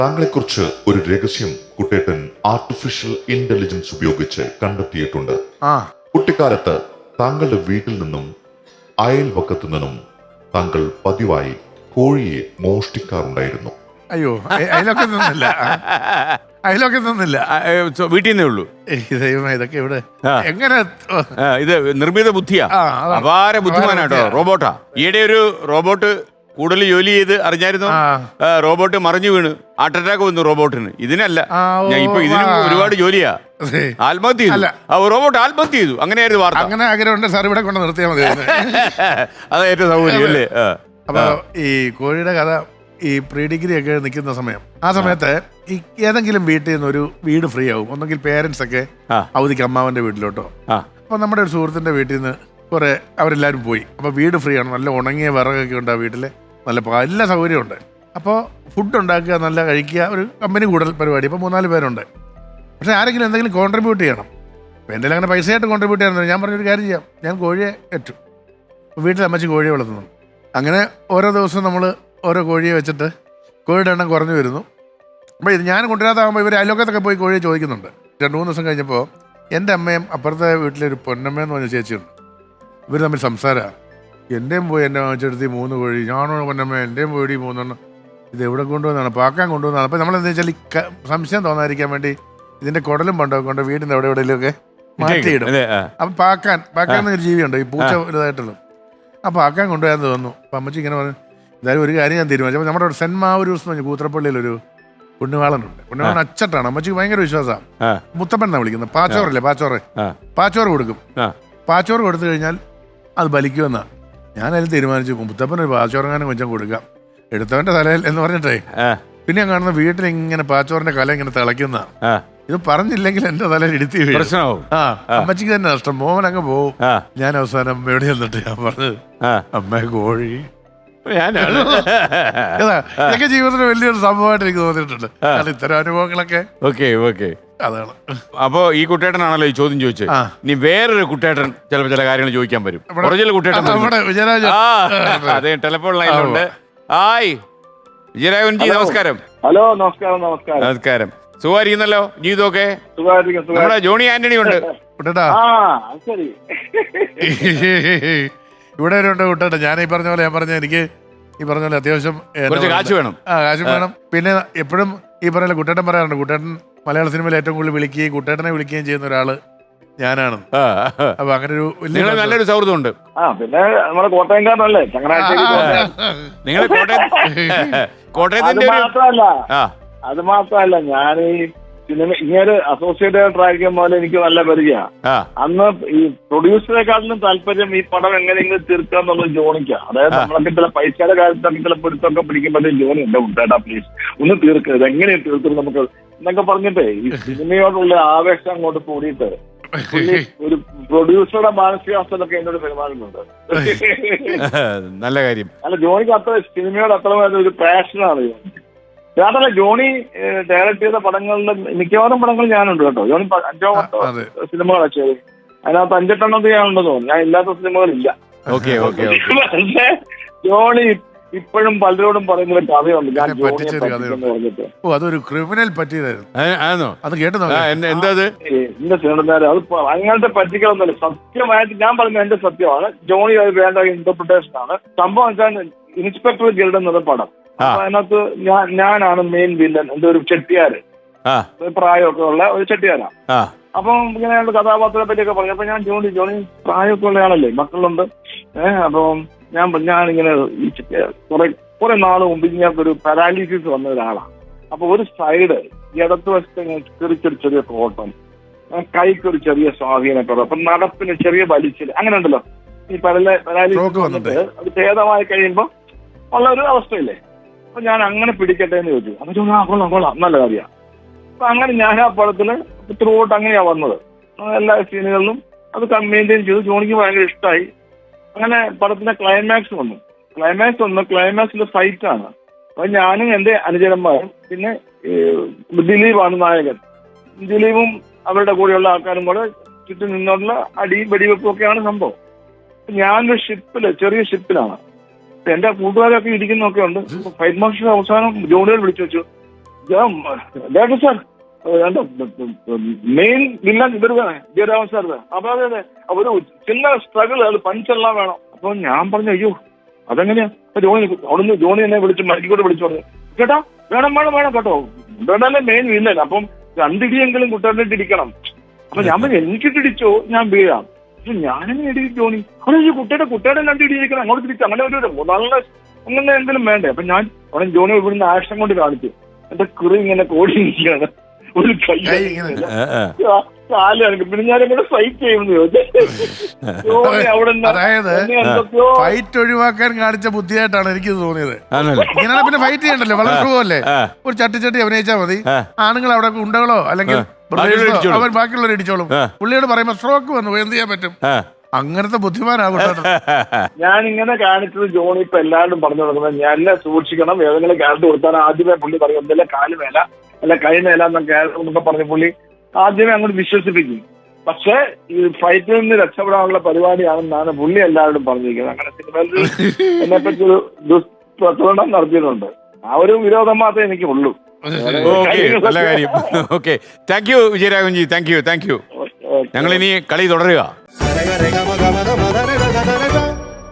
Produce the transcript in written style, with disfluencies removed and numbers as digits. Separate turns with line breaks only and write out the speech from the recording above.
താങ്കളെക്കുറിച്ച് ഒരു രഹസ്യം കുട്ടേട്ടൻ ആർട്ടിഫിഷ്യൽ ഇന്റലിജൻസ് ഉപയോഗിച്ച് കണ്ടെത്തിയിട്ടുണ്ട്. കുട്ടിക്കാലത്ത് താങ്കളുടെ വീട്ടിൽ നിന്നും അയൽവക്കത്തു നിന്നും താങ്കൾ പതിവായി കോഴിയെ മോഷ്ടിക്കാറുണ്ടായിരുന്നു.
അയ്യോ, അതിലൊക്കെ നിന്നില്ല, അതിലൊക്കെ നിന്നില്ല,
വീട്ടിൽ നിന്നേ ഉള്ളൂ.
ദൈവമേ, ഇതൊക്കെ ഇവിടെ എങ്ങനെ
ഇത് നിർമ്മിത ബുദ്ധിയാ, അപാര ബുദ്ധിമാനാട്ടോ. റോബോട്ടാ. ഈയിടെ ഒരു റോബോട്ട് കൂടുതൽ ജോലി ചെയ്ത് അറിഞ്ഞായിരുന്നു. റോബോട്ട് മറിഞ്ഞു വീണ് ഹാർട്ട് അറ്റാക്ക് വന്നു റോബോട്ടിന്. ഇതിനല്ല, ഇപ്പൊ ഇതിനും ഒരുപാട് ജോലിയാ. ആത്മഹത്യ ചെയ്തു റോബോട്ട്, ആത്മഹത്യ ചെയ്തു. അങ്ങനെയായിരുന്നു വാർത്ത.
അങ്ങനെ ആഗ്രഹമുണ്ട് സാർ, ഇവിടെ കൊണ്ട് നിർത്തിയാൽ മതി.
അതാ ഏറ്റവും സൗകര്യം അല്ലേ?
അപ്പൊ ഈ കോഴിയുടെ കഥ, ഈ പ്രീ ഡിഗ്രി ഒക്കെ നിൽക്കുന്ന സമയം, ആ സമയത്ത് ഈ ഏതെങ്കിലും വീട്ടിൽ നിന്ന് ഒരു വീട് ഫ്രീ ആവും. ഒന്നെങ്കിൽ പേരൻസ് ഒക്കെ അവധിക്ക് അമ്മാവന്റെ വീട്ടിലോട്ടോ. അപ്പൊ നമ്മുടെ ഒരു സുഹൃത്തിന്റെ വീട്ടിൽ നിന്ന് കുറെ അവരെല്ലാവരും പോയി. അപ്പൊ വീട് ഫ്രീ ആണ്, നല്ല ഉണങ്ങിയ വിറകൊക്കെ ഉണ്ട് ആ വീട്ടില്, നല്ല എല്ലാ സൗകര്യമുണ്ട്. അപ്പോൾ ഫുഡ് ഉണ്ടാക്കുക, നല്ല കഴിക്കുക, ഒരു കമ്പനി കൂടൽ പരിപാടി. ഇപ്പോൾ 3-4 പേരുണ്ട്. പക്ഷേ ആരെങ്കിലും എന്തെങ്കിലും കോൺട്രിബ്യൂട്ട് ചെയ്യണം. അപ്പോൾ എന്തെങ്കിലും അങ്ങനെ പൈസയായിട്ട് കോൺട്രിബ്യൂട്ട് ചെയ്യാൻ ഞാൻ പറഞ്ഞൊരു കാര്യം ചെയ്യാം, ഞാൻ കോഴിയെ ഏറ്റു. അപ്പോൾ വീട്ടിൽ അമ്മച്ചി കോഴിയെ വളർത്തുന്നു. അങ്ങനെ ഓരോ ദിവസവും നമ്മൾ ഓരോ കോഴിയെ വെച്ചിട്ട് കോഴിയുടെ എണ്ണം കുറഞ്ഞു വരുന്നു. അപ്പോൾ ഇത് ഞാൻ കൊണ്ടുവരാതാകുമ്പോൾ ഇവർ അയൽവക്കത്തൊക്കെ പോയി കോഴിയെ ചോദിക്കുന്നുണ്ട്. 2-3 ദിവസം കഴിഞ്ഞപ്പോൾ എൻ്റെ അമ്മയും അപ്പുറത്തെ വീട്ടിലെ ഒരു പൊന്നമ്മയെന്ന് പറഞ്ഞ ചേച്ചിയുണ്ട്. ഇവർ തമ്മിൽ സംസാരമാണ്. എൻ്റെയും പോയി എൻ്റെ വാങ്ങിച്ചെടുത്ത് 3 കോഴി, ഞാനോ പൊന്നമ്മ എൻ്റെയും പോയി 3 ഇത് എവിടെ കൊണ്ടുവന്നാണ്, പാക്കാൻ കൊണ്ടുവന്നാണ്. അപ്പോൾ നമ്മളെന്താ വെച്ചാൽ ഈ സംശയം തോന്നാതിരിക്കാൻ വേണ്ടി ഇതിൻ്റെ കുടലും പണ്ടൊക്കെ കൊണ്ട് വീടിൻ്റെ അവിടെ എവിടെയെങ്കിലുമൊക്കെ മാറ്റിയിടും. അപ്പം പാക്കാൻ ഒരു ജീവിയുണ്ട്, ഈ പൂച്ച ഇതായിട്ടുള്ളത്. ആ പാക്കാൻ കൊണ്ടുപോയാന്ന് തോന്നുന്നു. അപ്പം അമ്മച്ചി ഇങ്ങനെ പറഞ്ഞു, എന്തായാലും ഒരു കാര്യം ഞാൻ തീരുമാനിച്ചു. അപ്പോൾ നമ്മുടെ സെൻറ്റ് മാവൂരൂസ് എന്ന് പറഞ്ഞ കൂത്രപ്പള്ളിയിലൊരു പുണ്യവാളനുണ്ട്. പുണ്യവാളൻ അച്ചട്ടാണ്. അമ്മച്ചിക്ക് ഭയങ്കര വിശ്വാസമാണ്. മുത്തപ്പൻ എന്നാണ് വിളിക്കുന്നത്. പാച്ചോറല്ലേ, പാച്ചോറ് കൊടുക്കും. പാച്ചോറ് കൊടുത്തു കഴിഞ്ഞാൽ അത് ബലിക്കുമെന്നാണ്. ഞാനതിൽ തീരുമാനിച്ചു, മുത്തപ്പനൊരു പാച്ചോറങ്ങാനും കൊഞ്ചം കൊടുക്കാം, എടുത്തവന്റെ തലയിൽ എന്ന് പറഞ്ഞിട്ടേ. പിന്നെ ഞാൻ കാണുന്ന വീട്ടിൽ ഇങ്ങനെ പാച്ചോറിന്റെ കല ഇങ്ങനെ തിളയ്ക്കുന്ന. ഇത് പറഞ്ഞില്ലെങ്കിൽ എന്റെ തലയിൽ ഇടുത്തി വീഴും. അമ്മച്ചിക്ക് തന്നെ നഷ്ടം. മോഹൻ അങ്ങ് പോവും. ഞാൻ അവസാനം അമ്മയോട് ചെന്നിട്ട് ഞാൻ പറഞ്ഞത്, അമ്മ കോഴി ഇതൊക്കെ ജീവിതത്തിൽ വലിയൊരു സംഭവമായിട്ട് എനിക്ക് തോന്നിയിട്ടുണ്ട്. ഇത്തരം അനുഭവങ്ങളൊക്കെ അതാണ്.
അപ്പൊ ഈ കുട്ടേട്ടനാണല്ലോ ഈ ചോദ്യം ചോദിച്ചത്. ഇനി വേറൊരു കുട്ടേട്ടൻ ചിലപ്പോ ചില കാര്യങ്ങൾ ചോദിക്കാൻ വരും. ഒറിജിനൽ കുട്ടേട്ടൻ അതെ, ടെലിഫോൺ ലൈനിലുണ്ട്. ഹായ് വിജയരാഘവൻജി, നമസ്കാരം.
ഹലോ, നമസ്കാരം. നമസ്കാരം.
നമസ്കാരം. സുഖമായിരിക്കുന്നല്ലോ? ജീവിതമൊക്കെ നമ്മുടെ ജോണി ആന്റണി ഉണ്ട്.
ഇവിടെ ഉണ്ട് കുട്ടേട്ട. ഞാൻ ഈ പറഞ്ഞ പോലെ എനിക്ക് ഈ പറഞ്ഞ പോലെ അത്യാവശ്യം
കാശ് വേണം.
കാശ് വേണം. പിന്നെ എപ്പോഴും ഈ പറഞ്ഞ കുട്ടേട്ടൻ പറയാറുണ്ട്, കുട്ടേട്ടൻ മലയാള സിനിമയിൽ ഏറ്റവും കൂടുതൽ വിളിക്കുകയും കുട്ടേട്ടനെ വിളിക്കുകയും ചെയ്യുന്ന ഒരാള് ഞാനാണ്. അപ്പൊ അങ്ങനെ ഒരു
നല്ലൊരു സൗഹൃദം ഉണ്ട്.
പിന്നെ നമ്മുടെ കോട്ടയംകാരനല്ലേ, ചങ്ങനാശ്ശേരി.
നിങ്ങൾ കോട്ടയത്തിന്റെ
അത് മാത്രല്ല, ഞാൻ ഈ സിനിമ ഇങ്ങനെ അസോസിയേറ്റ് ഡയറക്ടർ ആയിരിക്കുമ്പോൾ എനിക്ക് നല്ല പരിചയമാണ്. അന്ന് ഈ പ്രൊഡ്യൂസറെക്കാട്ടിലും താല്പര്യം ഈ പടം എങ്ങനെയെങ്കിലും തീർക്കാന്നുള്ളത് ജോണിക്കാണ്. അതായത് നമ്മളൊക്കെ ചില പൈസയുടെ കാര്യത്തൊക്കെ ചില പിടുത്തൊക്കെ പിടിക്കുമ്പോഴത്തേക്കും ജോണി ഉണ്ട്, കുട്ടേട്ടാ പ്ലീസ് ഒന്ന് തീർക്കരുത്, എങ്ങനെ തീർക്കും നമുക്ക് എന്നൊക്കെ പറഞ്ഞിട്ടേ ഈ സിനിമയോടുള്ള ആവേശം അങ്ങോട്ട് കൂടിയിട്ട് ഒരു പ്രൊഡ്യൂസറുടെ മാനസികാവസ്ഥയിലൊക്കെ എന്നോട് പെരുമാറുന്നുണ്ട്.
നല്ല കാര്യം.
അല്ല, ജോണിക്ക് അത്ര സിനിമയോട് അത്രമായിട്ട് ഒരു പാഷനാണ്. അതല്ല, ജോണി ഡയറക്ട് ചെയ്ത പടങ്ങളുടെ മിക്കവാറും പടങ്ങൾ ഞാനുണ്ട് കേട്ടോ. ജോണി 5-10 സിനിമകളാണ് ചെയ്തത്. അതിനകത്ത് 5-8 ഞാനുണ്ടെന്ന് തോന്നുന്നു. ഞാൻ ഇല്ലാത്ത സിനിമകളില്ല. പക്ഷേ ജോണി ഇപ്പോഴും പലരോടും പറയുന്ന കഥയുണ്ട്. ഞാൻ പറഞ്ഞിട്ട്
അതൊരു ക്രിമിനൽ പറ്റിയതായിരുന്നു. അത് കേട്ടോ
എന്റെ സിനിമ അത് അങ്ങനത്തെ പറ്റിക്കലൊന്നുമല്ല. സത്യമായിട്ട് ഞാൻ പറഞ്ഞ എന്റെ സത്യമാണ്. ജോണി അത് വേണ്ട ഇന്റർപ്രിട്ടേഷൻ ആണ്. സംഭവം വെച്ചാൽ ഇൻസ്പെക്ടർ ഗിൽഡ് എന്നത് പടം. അപ്പൊ അതിനകത്ത് ഞാനാണ് മെയിൻ വില്ലൻ. എന്റെ ഒരു ചെട്ടിയാര്, പ്രായമൊക്കെ ഉള്ള ഒരു ചെട്ടിയാരാണ്. അപ്പം ഇങ്ങനെ കഥാപാത്രത്തെ പറ്റിയൊക്കെ പറഞ്ഞു. അപ്പൊ ഞാൻ ജോണി പ്രായമൊക്കെ ഉള്ള ആളല്ലേ, മക്കളുണ്ട്. അപ്പം ഞാനിങ്ങനെ കുറെ നാൾ മുമ്പ് ഇങ്ങനൊരു പാരാലിസിസ് വന്ന ഒരാളാണ്. അപ്പൊ ഒരു സൈഡ് ഇടത്ത് വശത്ത് ചെറിയ കോട്ടം, കൈക്കൊരു ചെറിയ സ്വാധീനക്കുറവ്, അപ്പൊ നടപ്പിന് ചെറിയ വലിച്ചില്, അങ്ങനെ ഉണ്ടല്ലോ. ഈ പാരാലിസിസ് വന്നിട്ട് അത് ഭേദമായി കഴിയുമ്പോ ഉള്ള ഒരു അവസ്ഥയില്ലേ. അപ്പൊ ഞാൻ അങ്ങനെ പിടിക്കട്ടെ എന്ന് ചോദിച്ചു. അപ്പൊ കൊള്ളാം നല്ല കാര്യമാണ്. അപ്പൊ അങ്ങനെ ഞാൻ ആ പടത്തില് ത്രൂ ഔട്ട് അങ്ങനെയാ വന്നത്. എല്ലാ സീനുകളിലും അത് മെയിൻറ്റെയിൻ ചെയ്തു. ജോണിക്ക് ഭയങ്കര ഇഷ്ടമായി. അങ്ങനെ പടത്തിന്റെ ക്ലൈമാക്സ് വന്നു. ക്ലൈമാക്സിലെ ഫൈറ്റാണ്. അപ്പൊ ഞാനും എന്റെ അനുചരന്മാരും പിന്നെ ദിലീപാണ് നായകൻ. ദിലീപും അവരുടെ കൂടെയുള്ള ആൾക്കാരും കൂടെ ചുറ്റും നിന്നുള്ള അടിയും വെടിവെപ്പും ഒക്കെയാണ് സംഭവം. ഞാനൊരു ചെറിയ ഷിപ്പിലാണ്. എന്റെ കൂട്ടുകാരൊക്കെ ഇരിക്കുന്നൊക്കെ ഉണ്ട്. ഫൈറ്റ് മാസ്റ്റർ അവസാനം ജോണികൾ വിളിച്ചു വെച്ചു, ഡോക്ടർ സാർ മെയിൻ വില്ലൻ ഇവരുതാണ് ജയരാമൻ സാർ. അപ്പൊ അതെ ഒരു ചിന്ന സ്ട്രഗിൾ അത് പഞ്ചെല്ലാം വേണം. അപ്പൊ ഞാൻ പറഞ്ഞു അയ്യോ അതെങ്ങനെയാ? അവിടുന്ന് ജോണി എന്നെ വിളിച്ച് മരിക്കൂടെ വിളിച്ചു പറഞ്ഞു കേട്ടാ വേണം വേണം വേണം കേട്ടോ കുട്ടേട്ടല്ലേ മെയിൻ വില്ലൻ. അപ്പം 2 ഇടിയെങ്കിലും കുട്ടേട്ടനിട്ട് ഇടിക്കണം. അപ്പൊ ഞാൻ പറഞ്ഞു എനിക്കിട്ടിടിച്ചോ ഞാൻ വീഴാം. പക്ഷെ ഞാനെങ്ങനെ ഇടിക്കും ജോണി? അവിടെ ഈ കുട്ടേട്ടൻ 2 ഇടിയിരിക്കണം അങ്ങോട്ട് തിരിച്ചു അങ്ങനെ ഒരു നല്ല അങ്ങനെ എന്തെങ്കിലും വേണ്ടേ? അപ്പൊ ഞാൻ അവിടെ ജോണി ഇവിടുന്ന് ആക്ഷൻ കൊണ്ട് കാണിച്ചു. എന്റെ കുറി ഇങ്ങനെ കോടിയിരിക്കുകയാണ്. ഒരു കൈ കാല് കണക്ക്. പിന്നെ ഞാൻ എങ്ങനെ ഫൈറ്റ് ചെയ്യുമെന്ന് ചോദിച്ചു. അവിടെ
അതായത് ഫൈറ്റ് ഒഴിവാക്കാൻ കാണിച്ച ബുദ്ധിയായിട്ടാണ് എനിക്ക് തോന്നിയത്. ഇങ്ങനെ പിന്നെ ഫൈറ്റ് ചെയ്യണ്ടല്ലോ, വളരെ സുഖമല്ലേ. ഒരു ചട്ടി അഭിനയിച്ചാൽ മതി. ആണുങ്ങൾ അവിടെ ഉണ്ടകളോ അല്ലെങ്കിൽ അവൻ ബാക്കിയുള്ളവർ ഇടിച്ചോളും. പുള്ളിയോട് പറയുമ്പോ സ്ട്രോക്ക് വന്നു എന്ത് ചെയ്യാൻ പറ്റും? അങ്ങനത്തെ ബുദ്ധിമാനാകും.
ഞാൻ ഇങ്ങനെ കാണിച്ചത് ജോണി ഇപ്പൊ എല്ലാവരും പറഞ്ഞു കൊടുക്കുന്നത് ഞാൻ എന്നെ സൂക്ഷിക്കണം. ഏതെങ്കിലും ക്യാരക്ടർ കൊടുത്താൽ ആദ്യമേ പുള്ളി പറയും എന്തെല്ലാം കാല് മേല അല്ല കൈ മേല എന്നൊക്കെ പറഞ്ഞ പുള്ളി ആദ്യമേ അങ്ങോട്ട് വിശ്വസിപ്പിക്കും. പക്ഷെ ഈ ഫൈറ്റിൽ നിന്ന് രക്ഷപ്പെടാനുള്ള പരിപാടിയാണെന്നാണ് പുള്ളി എല്ലാവരോടും പറഞ്ഞിരിക്കുന്നത്. അങ്ങനെ സിനിമയിൽ എന്നെ പറ്റി ഒരു ദുഷ്പ്രചരണം നടത്തിയിട്ടുണ്ട്. ആ ഒരു വിരോധം മാത്രമേ എനിക്ക് ഉള്ളൂ.
നല്ല കാര്യം. Okay, thank you Vijayaraghavanji. Thank you. ഞങ്ങൾ ഇനി കളി തുടരുക.